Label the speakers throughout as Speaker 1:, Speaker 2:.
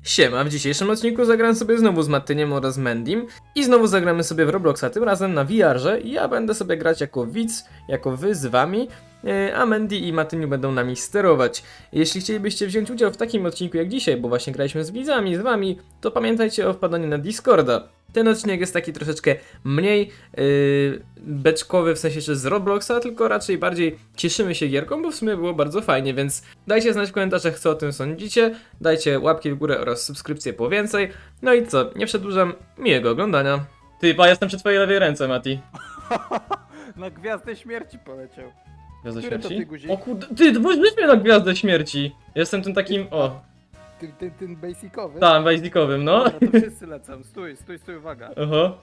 Speaker 1: Siema, w dzisiejszym odcinku zagram sobie znowu z Mattyniem oraz Mendym i znowu zagramy sobie w Robloxa, tym razem na VR-ze i ja będę sobie grać jako widz, jako wy z wami, a Mendy i Mattyniu będą nami sterować. Jeśli chcielibyście wziąć udział w takim odcinku jak dzisiaj, bo właśnie graliśmy z widzami, z wami, to pamiętajcie o wpadaniu na Discorda. Ten odcinek jest taki troszeczkę mniej beczkowy, w sensie że z Robloxa, tylko raczej bardziej cieszymy się gierką, bo w sumie było bardzo fajnie, więc dajcie znać w komentarzach, co o tym sądzicie, dajcie łapki w górę oraz subskrypcję po więcej. No i co, nie przedłużam, miłego oglądania. Ty, pa, jestem przy twojej lewej ręce, Mati.
Speaker 2: Na Gwiazdę Śmierci poleciał.
Speaker 1: Gwiazda
Speaker 2: Który to
Speaker 1: śmierci?
Speaker 2: ty guzik?
Speaker 1: O kurde, ty, weź mnie na Gwiazdę Śmierci. Jestem tym takim, o,
Speaker 2: Ten basicowy?
Speaker 1: tam, basicowym, no.
Speaker 2: Dobra, to wszyscy lecą. Stój, uwaga.
Speaker 1: Oho.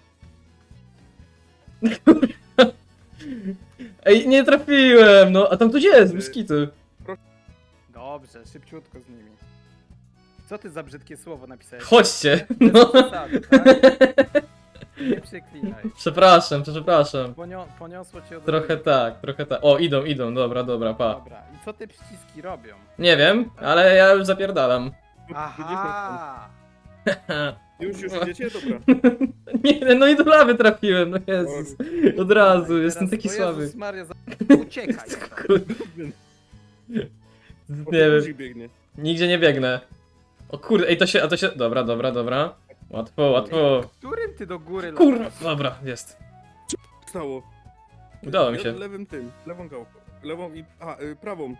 Speaker 1: Ej, nie trafiłem, no, a tam ktoś jest, biskitu.
Speaker 2: Dobrze, szybciutko z nimi. Co ty za brzydkie słowo napisałeś?
Speaker 1: Chodźcie,
Speaker 2: Bez
Speaker 1: no.
Speaker 2: przesady, tak? Nie przeklinaj.
Speaker 1: Przepraszam.
Speaker 2: Poniosło cię od
Speaker 1: Trochę tak. O, idą, dobra, pa.
Speaker 2: Dobra, i co te przyciski robią?
Speaker 1: Nie wiem, ale ja już zapierdalam.
Speaker 2: Aha!
Speaker 3: Już idziecie? Dobra.
Speaker 1: Nie, no i do lawy trafiłem, no Jezus. Od razu, jestem taki
Speaker 2: o
Speaker 1: słaby.
Speaker 2: Jezus Maria, uciekaj.
Speaker 1: Kurde,
Speaker 3: O,
Speaker 1: nie wiem,
Speaker 3: guzik biegnie.
Speaker 1: nigdzie nie biegnę. O kurde, ej, to się, dobra. Łatwo.
Speaker 2: Którym ty do góry
Speaker 1: Kurwa,
Speaker 2: latasz?
Speaker 1: dobra, jest.
Speaker 3: Stało.
Speaker 1: Udało mi
Speaker 3: Ja
Speaker 1: się.
Speaker 3: lewym lewą gałką. Lewą i... prawą.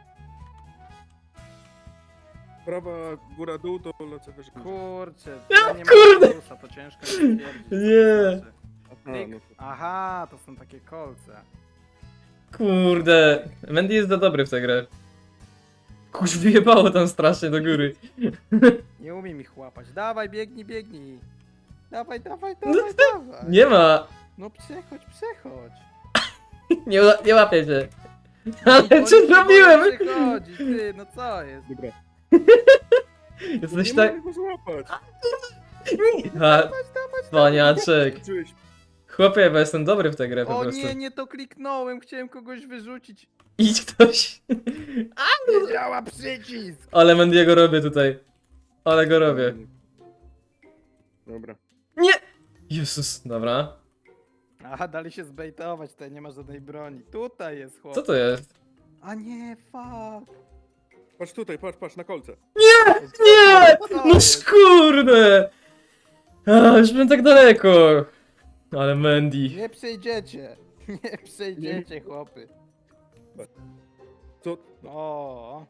Speaker 3: Prawa, góra, dół, to lecę wyżej.
Speaker 2: Kurczę,
Speaker 1: Ja,
Speaker 2: ja nie
Speaker 1: kurde.
Speaker 2: mam plusa, to ciężko mi stwierdzić. co
Speaker 1: Nie.
Speaker 2: to znaczy.
Speaker 3: Aha, no to...
Speaker 2: Aha, to są takie kolce.
Speaker 1: Kurde, Mendy jest za dobry w tę grę. Kurz, wyjebało tam strasznie do góry.
Speaker 2: Nie umiem ich łapać. Dawaj, biegnij. Dawaj.
Speaker 1: Nie ma,
Speaker 2: No przechodź.
Speaker 1: nie łapię cię. Ale
Speaker 2: Oni
Speaker 1: co
Speaker 2: nie
Speaker 1: zrobiłem?
Speaker 2: mogą przechodzić, ty, no co jest?
Speaker 3: Dobra.
Speaker 1: Jesteś
Speaker 3: Nie
Speaker 1: tak...
Speaker 3: mogę go złapać.
Speaker 1: A, cwaniaczek.
Speaker 3: Czułeś.
Speaker 1: Chłopie, bo jestem dobry w tę grę po
Speaker 2: O
Speaker 1: prostu.
Speaker 2: nie to kliknąłem, chciałem kogoś wyrzucić.
Speaker 1: Idź ktoś.
Speaker 2: Nie działa przycisk!
Speaker 1: Ale Mendiego robię tutaj. Ale go robię.
Speaker 3: Dobra.
Speaker 1: Nie! Jezus, dobra.
Speaker 2: Aha, dali się zbejtować, tutaj nie ma żadnej broni. Tutaj jest chłop.
Speaker 1: Co to jest?
Speaker 2: A nie, fuck.
Speaker 3: Patrz tutaj, patrz na kolce.
Speaker 1: Nie!
Speaker 2: Co
Speaker 1: No
Speaker 2: jest?
Speaker 1: kurde! A, już byłem tak daleko. Ale Mendy.
Speaker 2: Nie przejdziecie. Nie przejdziecie, chłopy.
Speaker 3: Co?
Speaker 2: O.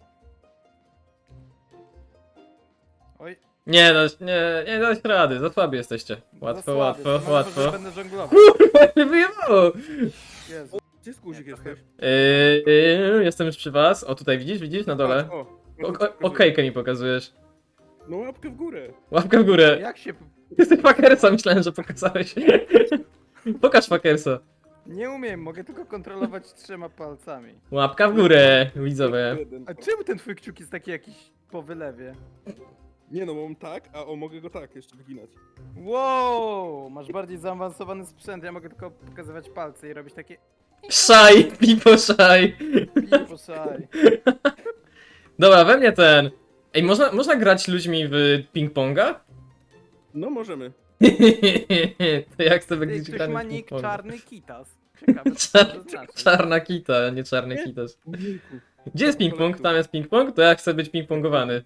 Speaker 2: Oj.
Speaker 1: Nie dać rady, za słabi jesteście.
Speaker 2: za
Speaker 1: Łatwo,
Speaker 2: słaby,
Speaker 1: łatwo,
Speaker 2: to może
Speaker 1: łatwo.
Speaker 2: Będę żonglował.
Speaker 1: Kurwa, mnie wyjebało!
Speaker 2: Jezu.
Speaker 3: Gdzie jest guzik
Speaker 2: Nie,
Speaker 3: jesteś?
Speaker 1: Jestem już przy was. O, tutaj widzisz na dole?
Speaker 3: Patrz,
Speaker 1: Okejkę mi pokazujesz.
Speaker 3: No łapkę w górę.
Speaker 1: Łapkę w górę.
Speaker 2: Jak się...
Speaker 1: Jesteś fakersa, myślałem, że pokazałeś. Pokaż fakersa.
Speaker 2: Nie umiem, mogę tylko kontrolować 3 palcami.
Speaker 1: Łapka w górę, widzowie.
Speaker 3: Jeden.
Speaker 2: A czemu ten twój kciuk jest taki jakiś po wylewie?
Speaker 3: Nie no, mam tak, a mogę go tak jeszcze wyginać.
Speaker 2: Wow, masz bardziej zaawansowany sprzęt, ja mogę tylko pokazywać palce i robić takie
Speaker 1: Szaj, pipo szaj.
Speaker 2: pipo szaj.
Speaker 1: Dobra, we mnie ten. Ej, można grać ludźmi w ping-ponga?
Speaker 3: No możemy.
Speaker 1: To jak sobie
Speaker 2: Ty,
Speaker 1: gdzieś
Speaker 2: ktoś
Speaker 1: gramy
Speaker 2: ma
Speaker 1: w
Speaker 2: nick
Speaker 1: ping-ponga?
Speaker 2: czarny kitas. Ciekawe co to znaczy.
Speaker 1: Czarna kita, nie czarny kitas.
Speaker 3: Ojejku.
Speaker 1: Gdzie jest ping-pong? Tam jest ping-pong? To ja chcę być ping-pongowany.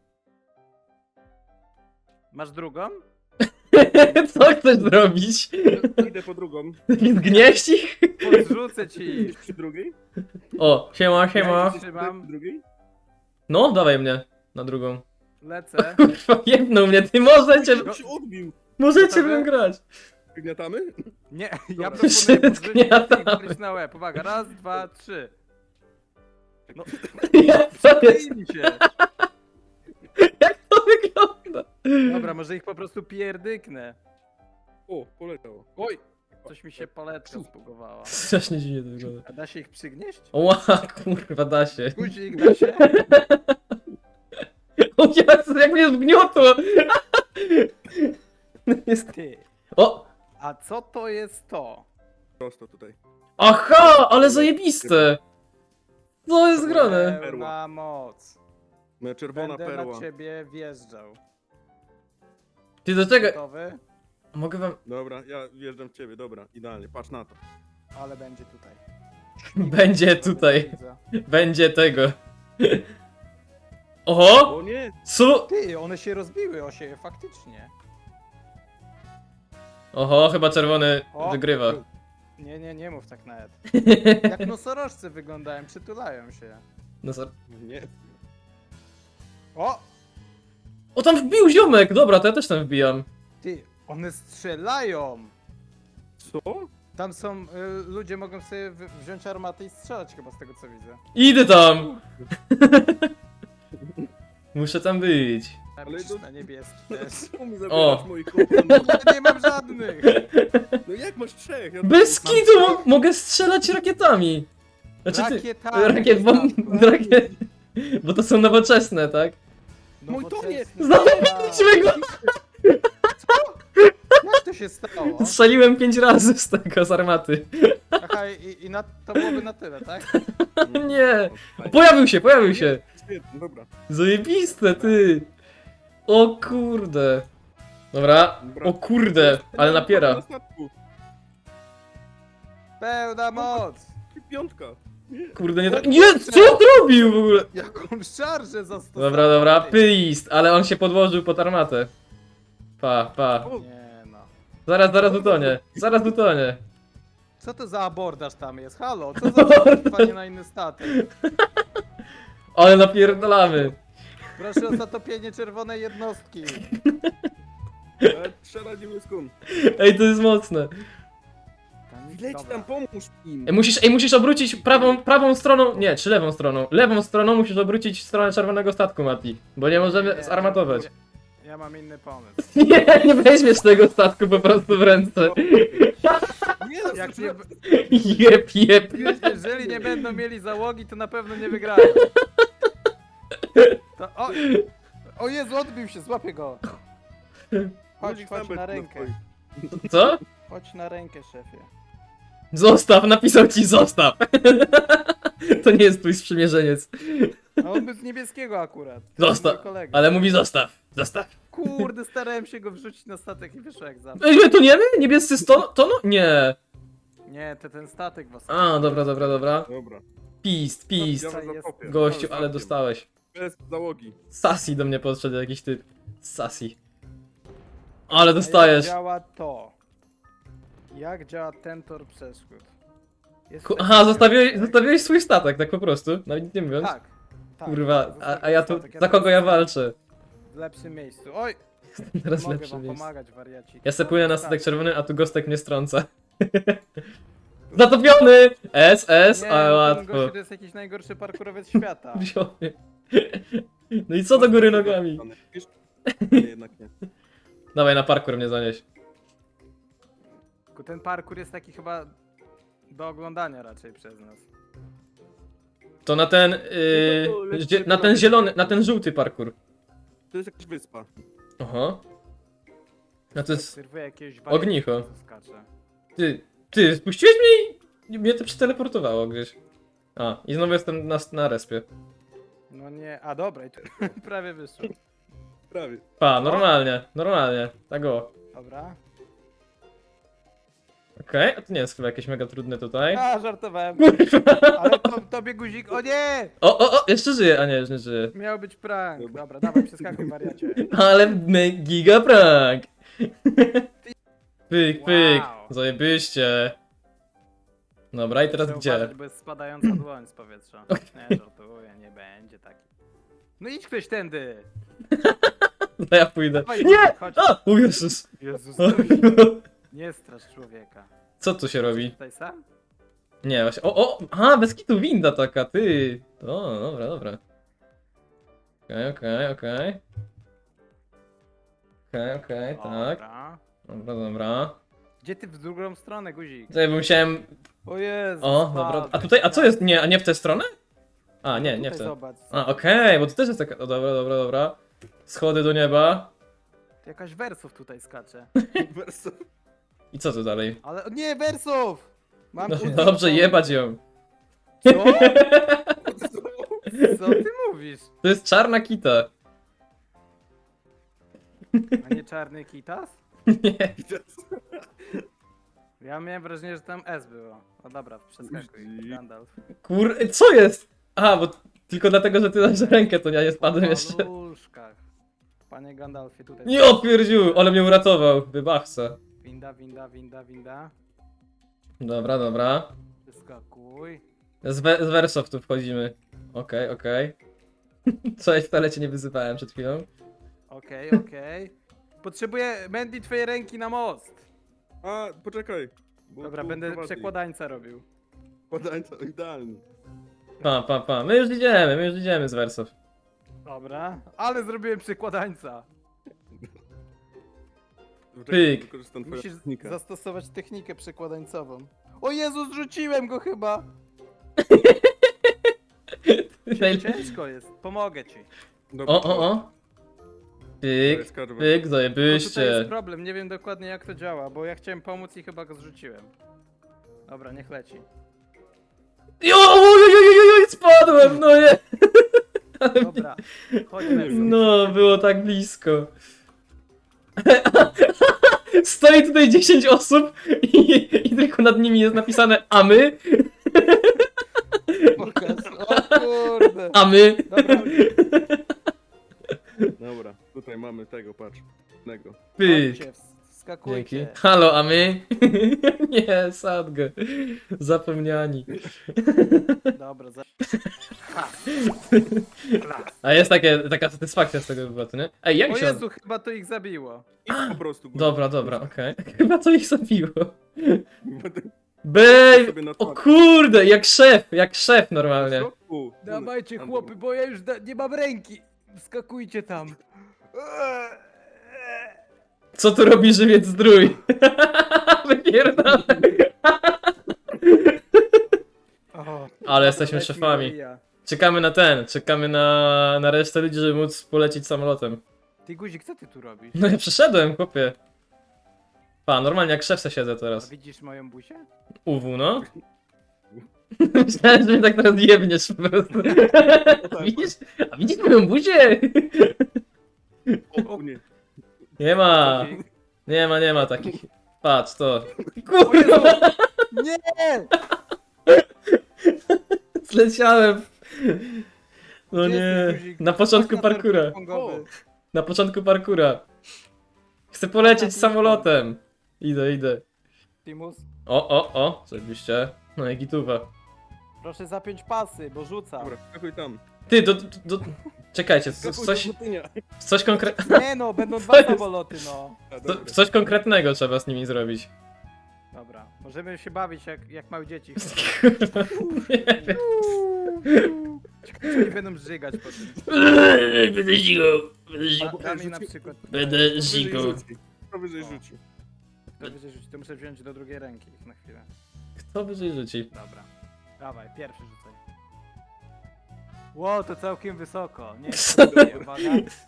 Speaker 2: Masz drugą?
Speaker 1: Co chcesz zrobić?
Speaker 3: Idę po drugą.
Speaker 1: Zgnieść ich?
Speaker 2: Podrzucę ci.
Speaker 3: Idziesz przy drugiej?
Speaker 1: O, siema.
Speaker 3: Idziesz
Speaker 2: Trzymam.
Speaker 3: przy drugiej?
Speaker 1: No, dawaj mnie na drugą.
Speaker 2: Lecę.
Speaker 1: Kurwa, jedną mnie, ty możecie
Speaker 3: Się odbił.
Speaker 1: Możecie
Speaker 2: Gotowe?
Speaker 1: wy grać.
Speaker 3: Gniatamy?
Speaker 2: Nie, ja
Speaker 3: Dobra.
Speaker 2: proponuję
Speaker 1: Wszystkie
Speaker 2: podrzucić i wgryźć na łeb. Uwaga, 1, 2, 3. No,
Speaker 1: Co jest?
Speaker 2: przyjmij się.
Speaker 1: Jak to wygląda?
Speaker 2: Dobra, może ich po prostu pierdyknę.
Speaker 3: O, poleciało.
Speaker 2: Oj, coś mi się paletka spugowała.
Speaker 1: Strasznie dziwnie to wygląda.
Speaker 2: A da się ich przygnieść?
Speaker 1: Ła, kurwa, da się.
Speaker 2: Guzik, da się?
Speaker 1: O Jezu, jak mnie zgniotło! Jest...
Speaker 2: Ty.
Speaker 1: O!
Speaker 2: A co to jest to?
Speaker 3: Prosto tutaj.
Speaker 1: Aha, ale zajebiste! Co jest grane?
Speaker 2: Pełna moc.
Speaker 3: Moja czerwona
Speaker 2: Będę
Speaker 3: perła.
Speaker 2: na ciebie wjeżdżał.
Speaker 1: Ty do czego?
Speaker 2: Gotowy?
Speaker 1: Mogę wam...
Speaker 3: Dobra, ja wjeżdżam w ciebie, dobra, idealnie, patrz na to.
Speaker 2: Ale będzie tutaj.
Speaker 1: Będzie tutaj.
Speaker 2: Widzę.
Speaker 1: Będzie tego. Oho!
Speaker 3: O nie!
Speaker 1: Co?
Speaker 2: Ty, one się rozbiły o siebie, faktycznie.
Speaker 1: Oho, chyba czerwony
Speaker 2: O!
Speaker 1: wygrywa.
Speaker 2: Nie mów tak nawet. Jak nosorożce wyglądają, przytulają się.
Speaker 1: No co?
Speaker 3: Nie.
Speaker 2: O!
Speaker 1: O, tam wbił ziomek! Dobra, to ja też tam wbijam.
Speaker 2: Ty, one strzelają!
Speaker 3: Co?
Speaker 2: Tam są, ludzie mogą sobie wziąć armatę i strzelać chyba z tego co widzę.
Speaker 1: Idę tam! Muszę tam być.
Speaker 2: Ale
Speaker 3: to-
Speaker 2: na niebieski też.
Speaker 3: Czemu mi
Speaker 1: O.
Speaker 3: zabierasz moich komponentów?
Speaker 2: Ja nie mam żadnych!
Speaker 3: No jak masz trzech? Ja
Speaker 1: Bez
Speaker 3: mam-
Speaker 1: kitu mogę strzelać rakietami! Znaczy ty...
Speaker 2: Rakietami,
Speaker 1: Rakiet, bo...
Speaker 2: statku.
Speaker 1: Rakiet... Bo to są nowoczesne, tak?
Speaker 3: Mój to nie!
Speaker 1: Zabiliśmy go!
Speaker 2: Jak to się stało?
Speaker 1: Strzeliłem 5 razy z tego, z armaty.
Speaker 2: Aha, to byłoby na tyle, tak?
Speaker 1: Nie! Pojawił się!
Speaker 3: Świetnie, dobra.
Speaker 1: Zajebiste, ty! O kurde! Dobra, o kurde, ale napiera.
Speaker 3: Na statku.
Speaker 2: Pełna moc!
Speaker 3: Piątka. Nie.
Speaker 1: Kurde, nie tra... Nie, co on zrobił w ogóle?
Speaker 2: Jaką szarżę zastosował?
Speaker 1: Dobra, pyst, ale on się podłożył pod armatę. Pa.
Speaker 3: O,
Speaker 2: Nie no.
Speaker 1: Zaraz utonie.
Speaker 2: Co to za abordaż tam jest? Halo, co za zatopienie na inny statek?
Speaker 1: Ale napierdalamy.
Speaker 2: Proszę o zatopienie czerwonej jednostki.
Speaker 3: strzela niebieską.
Speaker 1: Ej, to jest mocne.
Speaker 3: Leć
Speaker 2: Dobra.
Speaker 3: tam, pomóż im.
Speaker 1: Musisz obrócić prawą stroną, nie, czy lewą stroną. Lewą stroną musisz obrócić w stronę czerwonego statku, Mati. Bo nie możemy
Speaker 2: Nie,
Speaker 1: zarmatować.
Speaker 2: Ja mam inny pomysł.
Speaker 1: Nie weźmiesz tego statku po prostu w ręce.
Speaker 3: Nie, no,
Speaker 2: Jak nie,
Speaker 1: Jep.
Speaker 2: jeżeli nie będą mieli załogi, to na pewno nie wygrają. To, o Jezu, odbił się, złapię go. Chodź na rękę.
Speaker 1: Co?
Speaker 2: Chodź na rękę, szefie.
Speaker 1: Zostaw, napisał ci zostaw. To nie jest twój sprzymierzeniec.
Speaker 2: A on był z niebieskiego akurat.
Speaker 1: Zostaw,
Speaker 2: Mój kolega.
Speaker 1: ale mówi zostaw.
Speaker 2: Kurde, starałem się go wrzucić na statek i wyszło jak zawsze.
Speaker 1: Ej, my to nie my? Niebiescy to no? Nie.
Speaker 2: Nie, ten statek was.
Speaker 1: A, dobra.
Speaker 3: Dobra.
Speaker 1: Pist.
Speaker 3: Ja
Speaker 2: jest-
Speaker 3: was zakopię.
Speaker 1: Gościu,
Speaker 3: Całym
Speaker 1: ale
Speaker 3: statkiem.
Speaker 1: dostałeś.
Speaker 3: Bez załogi.
Speaker 1: Sassy do mnie podszedł jakiś typ. Sassy. Ale dostajesz.
Speaker 2: Jak działa to? Jak działa ten tor przeszkód? Jest
Speaker 1: Aha,
Speaker 2: taki
Speaker 1: zostawiłeś swój statek, tak po prostu. Nawet nic nie mówiąc.
Speaker 2: Tak.
Speaker 1: Kurwa, a ja tu,
Speaker 2: Statek,
Speaker 1: za kogo ja
Speaker 2: teraz
Speaker 1: walczę?
Speaker 2: W lepszym miejscu. Oj,
Speaker 1: Teraz
Speaker 2: mogę
Speaker 1: lepsze
Speaker 2: wam
Speaker 1: miejsce.
Speaker 2: pomagać, wariaci.
Speaker 1: Ja se płynę na statek czerwony, a tu Gostek mnie strąca. Zatopiony! S,
Speaker 2: Nie,
Speaker 1: ale
Speaker 2: ten
Speaker 1: łatwo.
Speaker 2: gościu to jest jakiś najgorszy parkurowiec świata.
Speaker 1: Wziął mnie. No i co do góry nogami?
Speaker 3: Wiesz? Nie, jednak nie.
Speaker 1: Dawaj, na parkour mnie zanieś.
Speaker 2: Tylko ten parkour jest taki chyba do oglądania raczej przez nas.
Speaker 1: To na ten, na ten zielony, na ten żółty parkour.
Speaker 3: To jest jakaś wyspa.
Speaker 1: Oho. No to jest
Speaker 2: Serwuje jakiegoś
Speaker 1: ognicho.
Speaker 2: co skacze.
Speaker 1: Ty, spuściłeś mnie i mnie to przeteleportowało gdzieś. A, i znowu jestem na respie.
Speaker 2: No nie, a dobra, i tu prawie wyszło.
Speaker 3: Prawie.
Speaker 1: Pa, normalnie, tak o.
Speaker 2: Dobra.
Speaker 1: Okej, a to nie jest chyba jakieś mega trudne tutaj.
Speaker 2: A, żartowałem. Ale tobie guzik, o nie!
Speaker 1: O, jeszcze żyje, a nie, już nie żyje.
Speaker 2: Miał być prank. Dobra, dawaj, przeskakuj wariacie.
Speaker 1: Ale giga prank! Pyk,
Speaker 2: Wow.
Speaker 1: zajebiście. Dobra, i teraz
Speaker 2: Muszę
Speaker 1: gdzie?
Speaker 2: uważać, bo jest spadająca dłoń z powietrza. Nie, żartuję, nie będzie taki. No idź ktoś tędy!
Speaker 1: No ja pójdę.
Speaker 2: Dawaj,
Speaker 1: Nie!
Speaker 2: chodź.
Speaker 1: A! O Jezus!
Speaker 2: Jezus, nie strasz człowieka.
Speaker 1: Co tu się robi?
Speaker 2: Tutaj sam?
Speaker 1: Nie, właśnie. Aha, bez kitu winda taka, ty. O, dobra. Okej, tak. Dobra.
Speaker 2: Gdzie ty w drugą stronę, guzik?
Speaker 1: Tutaj bym musiałem...
Speaker 2: O Jezu.
Speaker 1: O, dobra. A tutaj, a co jest? Nie, a nie w tę stronę? A, nie w
Speaker 2: Tutaj
Speaker 1: tę.
Speaker 2: zobacz.
Speaker 1: A, okej, bo tu też jest taka... O, dobra. Schody do nieba.
Speaker 2: Jakaś wersów tutaj skacze.
Speaker 3: Werso.
Speaker 1: I co tu dalej?
Speaker 2: Ale nie, wersów! Mam
Speaker 1: No,
Speaker 2: tu-
Speaker 1: dobrze, jebać ją.
Speaker 2: Co? Co ty mówisz?
Speaker 1: To jest czarna kita.
Speaker 2: A nie czarny kitas?
Speaker 1: Nie.
Speaker 2: Ja miałem wrażenie, że tam S było. No dobra, przeskakuj.
Speaker 3: Guzik.
Speaker 2: Gandalf.
Speaker 1: Co jest? Aha, bo tylko dlatego, że ty dasz rękę, to ja nie spadłem jeszcze.
Speaker 2: Po paluszkach. Panie Gandalfie, tutaj.
Speaker 1: Nie opierdził, ale mnie uratował. Wybachca.
Speaker 2: Winda, winda, winda, winda.
Speaker 1: Dobra, dobra.
Speaker 2: Przeskakuj.
Speaker 1: Z Wersow tu wchodzimy. Okej. Cześć, wcale cię nie wyzywałem przed chwilą.
Speaker 2: Okej, okej. Potrzebuję, Mandy, twojej ręki na most.
Speaker 3: A, poczekaj. bo
Speaker 2: Dobra,
Speaker 3: tu
Speaker 2: będę
Speaker 3: prowadzi.
Speaker 2: przekładańca robił.
Speaker 3: Przekładańca, idealnie.
Speaker 1: Pa. My już idziemy z Wersow.
Speaker 2: Dobra, ale zrobiłem przekładańca.
Speaker 3: Poczekaj,
Speaker 1: Pyk.
Speaker 3: wykorzystam twoją
Speaker 2: Musisz
Speaker 3: technikę.
Speaker 2: zastosować technikę przekładańcową. O Jezu, zrzuciłem go chyba! Ciężko jest, pomogę ci.
Speaker 3: Dobra,
Speaker 1: O. Pyk,
Speaker 3: skarżę.
Speaker 1: pyk,
Speaker 2: Tylko tutaj jest
Speaker 1: zajebyście.
Speaker 2: problem, nie wiem dokładnie jak to działa, bo ja chciałem pomóc i chyba go zrzuciłem. Dobra, niech leci.
Speaker 1: Oj, spadłem, no nie.
Speaker 2: Dobra, chodź Nelson.
Speaker 1: No, było tak blisko. Stoi tutaj 10 osób i tylko nad nimi jest napisane a my,
Speaker 2: Pokaż. O kurde.
Speaker 1: a my.
Speaker 2: Dobra,
Speaker 3: Dobra, tutaj mamy tego, patrz. Tego.
Speaker 1: Pyk.
Speaker 2: chodźcie,
Speaker 1: Dzięki.
Speaker 2: wskakujcie.
Speaker 1: Halo, a my? Nie, sadgę. Zapomniani.
Speaker 2: Dobra, Ha.
Speaker 1: A jest taka satysfakcja z tego wyboru, nie? Ej, jak
Speaker 2: O
Speaker 1: się...
Speaker 2: Jezu, chyba to ich zabiło.
Speaker 3: I po prostu.
Speaker 1: Dobra, okej. Chyba to ich zabiło.
Speaker 3: Będę
Speaker 1: Bej!
Speaker 3: sobie na
Speaker 1: O
Speaker 3: twarz.
Speaker 1: kurde, jak szef normalnie.
Speaker 3: W środku.
Speaker 2: Dawajcie
Speaker 3: Tam
Speaker 2: chłopy, bo ja już nie mam ręki. Wskakujcie tam.
Speaker 1: Co tu robi żywiec zdrój? Wypierdolę.
Speaker 2: O,
Speaker 1: Ale jesteśmy
Speaker 2: leci
Speaker 1: szefami.
Speaker 2: Maria.
Speaker 1: Czekamy na resztę ludzi, żeby móc polecieć samolotem.
Speaker 2: Ty Guzik, co ty tu robisz?
Speaker 1: No ja przeszedłem, chłopie. Pa, normalnie jak szef se siedzę
Speaker 2: A
Speaker 1: teraz.
Speaker 2: widzisz moją buzię?
Speaker 1: UW, no. Myślałem, że mnie tak teraz jebniesz po prostu. Widzisz? A widzisz moją buzię?
Speaker 3: O, nie.
Speaker 1: Nie ma. Nie ma takich. Patrz to.
Speaker 2: O Jezu! Nie!
Speaker 1: Zleciałem. No
Speaker 2: Gdzie
Speaker 1: nie.
Speaker 2: jesteś, guzik?
Speaker 1: Na początku
Speaker 2: Chodź na tor
Speaker 1: parkura.
Speaker 2: ping-pongowy.
Speaker 1: Na początku parkura. Chcę polecieć samolotem. Idę.
Speaker 2: Timus,
Speaker 1: O, zajebiście. No i gituwa.
Speaker 2: proszę zapiąć pasy, bo rzucam.
Speaker 3: Dobra, skakuj tam.
Speaker 1: Ty, czekajcie,
Speaker 3: Skakuj
Speaker 1: coś konkretnego.
Speaker 2: Nie no, będą
Speaker 1: Co
Speaker 2: dwa
Speaker 1: jest?
Speaker 2: samoloty, no.
Speaker 1: Coś konkretnego trzeba z nimi zrobić.
Speaker 2: Dobra, możemy się bawić jak małe dzieci.
Speaker 1: Nie wiem.
Speaker 2: Ciekawe, czy oni będą żygać po tym.
Speaker 1: Będę zigał.
Speaker 2: Dami na przykład.
Speaker 1: Będę zigał.
Speaker 3: Powyżej rzuci.
Speaker 2: To wyżej rzucić, to muszę wziąć do drugiej ręki na chwilę.
Speaker 1: Kto wyżej rzuci?
Speaker 2: Dobra. Dawaj, pierwszy rzucaj. Ło, to całkiem wysoko. Nie,
Speaker 1: Co?
Speaker 2: nie, uwaga.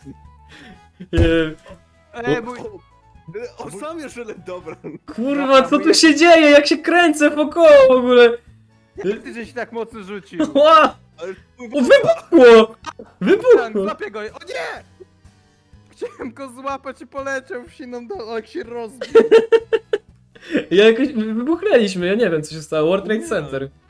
Speaker 2: Mój...
Speaker 3: O, sam jeszcze dobra.
Speaker 1: Kurwa, co tu się dzieje? Jak się kręcę wokoło w ogóle?
Speaker 2: Ty żeś tak mocno rzucił.
Speaker 1: Ła!
Speaker 3: Ale
Speaker 1: O, wybuchło!
Speaker 2: Tak,
Speaker 1: Wybuchło!
Speaker 2: złapię go. O nie! Chciałem go złapać i poleciał w siną dół, jak się rozbił.
Speaker 1: Jakoś wybuchnęliśmy, ja nie wiem co się stało. World Trade Center.